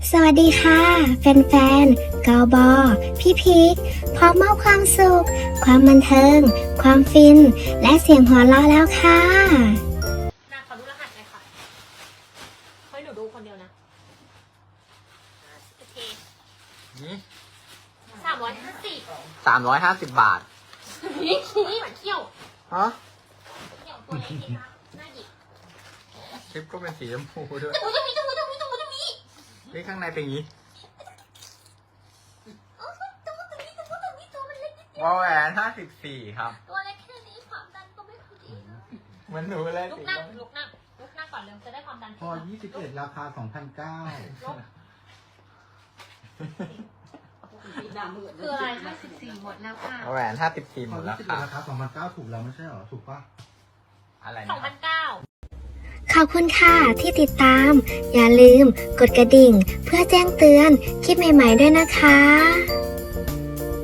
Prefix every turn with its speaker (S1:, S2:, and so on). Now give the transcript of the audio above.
S1: สวัสดีค่ะแฟนๆกบพี่พีคพร้อมมอบความสุขความบันเทิงความฟินและเสียงหัวเราะแล้วค่ะ
S2: นาขอดูรหัสหน่อยค่ะเฮ้ยหนูดูคนเดียวนะโอเค
S3: 350 บาท
S2: นี่เหมือนเที่ยว
S3: ฮะ
S2: เที่ยวตัวเล็กดีนะน่าหยิบ
S3: คลิปก็เป็นสีชมพูด้วย
S2: จมูกจะมี
S3: นี่ข้างในเป็นอย่างนี้
S2: โอ้ยตัวมันเล็กนิดเดียว
S3: วอลแหวน54 ครับ
S2: ตัวเล็กแค่นี้ความดันก็ไม่ค่อยดีนะ
S3: เหมือนหนูเลย
S2: ลุกนั่งก่อนเร็วจะได้ความดัน
S4: พอ21ราคา 2,900
S2: คืออะไร54หมดแล้วค่ะ
S3: วอลแหวน54
S4: พ
S3: หม
S4: อ
S3: ดแล้ว
S4: 21
S3: ค่ะ
S4: ราคา 2,900 ถูกแล้วไม่ใช่เหรอ ถูกปะ
S3: อะไรนะ
S2: 2,900
S1: ขอบคุณค่ะที่ติดตาม อย่าลืมกดกระดิ่งเพื่อแจ้งเตือนคลิปใหม่ๆด้วยนะคะ